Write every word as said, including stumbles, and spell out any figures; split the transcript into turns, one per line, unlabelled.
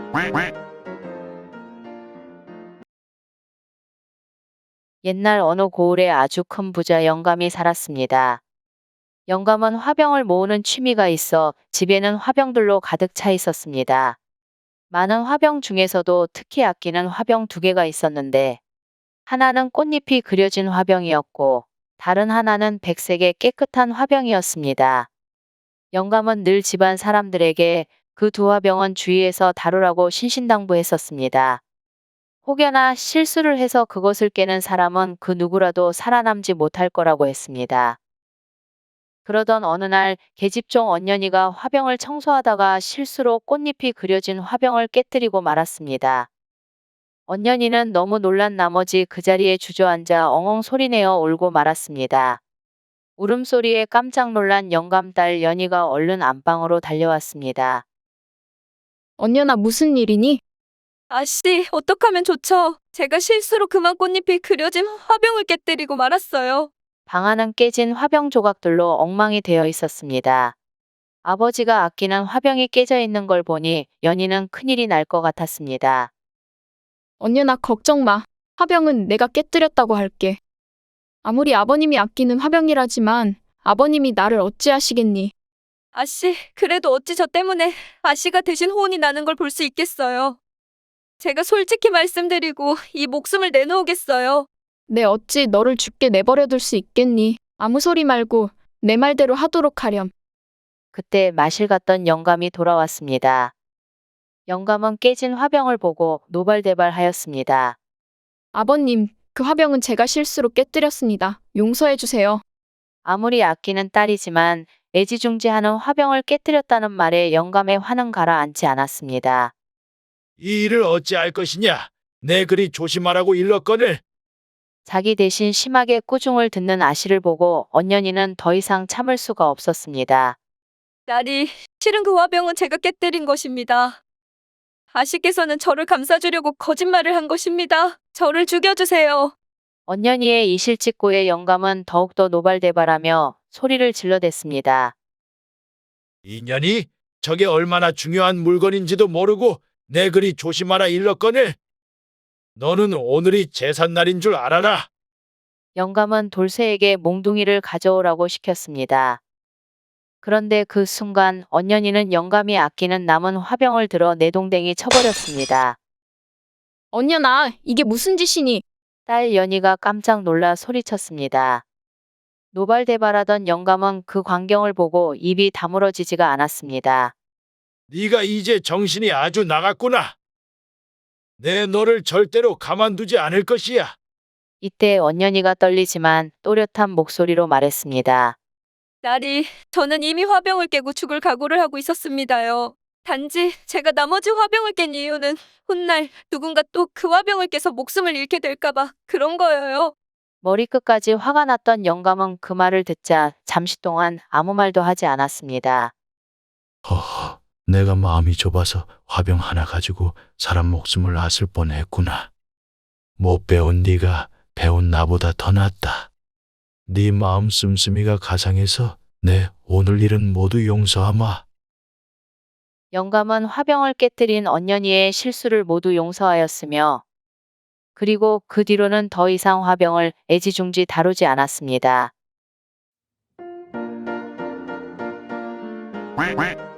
옛날 어느 고을에 아주 큰 부자 영감이 살았습니다. 영감은 화병을 모으는 취미가 있어 집에는 화병들로 가득 차 있었습니다. 많은 화병 중에서도 특히 아끼는 화병 두 개가 있었는데 하나는 꽃잎이 그려진 화병이었고 다른 하나는 백색의 깨끗한 화병이었습니다. 영감은 늘 집안 사람들에게 그 두 화병은 주의해서 다루라고 신신당부했었습니다. 혹여나 실수를 해서 그것을 깨는 사람은 그 누구라도 살아남지 못할 거라고 했습니다. 그러던 어느 날 계집종 언년이가 화병을 청소하다가 실수로 꽃잎이 그려진 화병을 깨뜨리고 말았습니다. 언년이는 너무 놀란 나머지 그 자리에 주저앉아 엉엉 소리내어 울고 말았습니다. 울음소리에 깜짝 놀란 영감딸 연희가 얼른 안방으로 달려왔습니다.
언년아, 무슨 일이니?
아씨, 어떡하면 좋죠? 제가 실수로 그만 꽃잎이 그려진 화병을 깨뜨리고 말았어요.
방 안은 깨진 화병 조각들로 엉망이 되어 있었습니다. 아버지가 아끼는 화병이 깨져 있는 걸 보니 연희는 큰일이 날 것 같았습니다.
언년아, 걱정 마. 화병은 내가 깨뜨렸다고 할게. 아무리 아버님이 아끼는 화병이라지만 아버님이 나를 어찌하시겠니?
아씨, 그래도 어찌 저 때문에 아씨가 대신 혼이 나는 걸 볼 수 있겠어요. 제가 솔직히 말씀드리고 이 목숨을 내놓으겠어요.
내 어찌 너를 죽게 내버려둘 수 있겠니? 아무 소리 말고 내 말대로 하도록 하렴.
그때 마실 갔던 영감이 돌아왔습니다. 영감은 깨진 화병을 보고 노발대발하였습니다.
아버님, 그 화병은 제가 실수로 깨뜨렸습니다. 용서해 주세요.
아무리 아끼는 딸이지만 애지중지하는 화병을 깨뜨렸다는 말에 영감의 화는 가라앉지 않았습니다.
이 일을 어찌할 것이냐? 내 그리 조심하라고 일렀거늘.
자기 대신 심하게 꾸중을 듣는 아씨를 보고 언년이는 더 이상 참을 수가 없었습니다.
딸이, 실은 그 화병은 제가 깨뜨린 것입니다. 아씨께서는 저를 감싸주려고 거짓말을 한 것입니다. 저를 죽여주세요.
언년이의 이실직고의 영감은 더욱더 노발대발하며 소리를 질러댔습니다.
인연이 저게 얼마나 중요한 물건인지도 모르고 내 그리 조심하라 일렀거늘. 너는 오늘이 제삿날인 줄 알아라.
영감은 돌쇠에게 몽둥이를 가져오라고 시켰습니다. 그런데 그 순간 언년이는 영감이 아끼는 남은 화병을 들어 내동댕이 쳐버렸습니다.
언년아, 이게 무슨 짓이니?
딸 연희가 깜짝 놀라 소리쳤습니다. 노발대발하던 영감은 그 광경을 보고 입이 다물어지지가 않았습니다.
네가 이제 정신이 아주 나갔구나. 내 너를 절대로 가만두지 않을 것이야.
이때 언년이가 떨리지만 또렷한 목소리로 말했습니다.
딸이, 저는 이미 화병을 깨고 죽을 각오를 하고 있었습니다요. 단지 제가 나머지 화병을 깬 이유는 훗날 누군가 또 그 화병을 깨서 목숨을 잃게 될까봐 그런 거예요.
머리끝까지 화가 났던 영감은 그 말을 듣자 잠시 동안 아무 말도 하지 않았습니다.
허허, 내가 마음이 좁아서 화병 하나 가지고 사람 목숨을 앗을 뻔했구나. 못 배운 네가 배운 나보다 더 낫다. 네 마음 씀씀이가 가상해서 내 오늘 일은 모두 용서하마.
영감은 화병을 깨뜨린 언년이의 실수를 모두 용서하였으며 그리고 그 뒤로는 더 이상 화병을 애지중지 다루지 않았습니다.
quack quack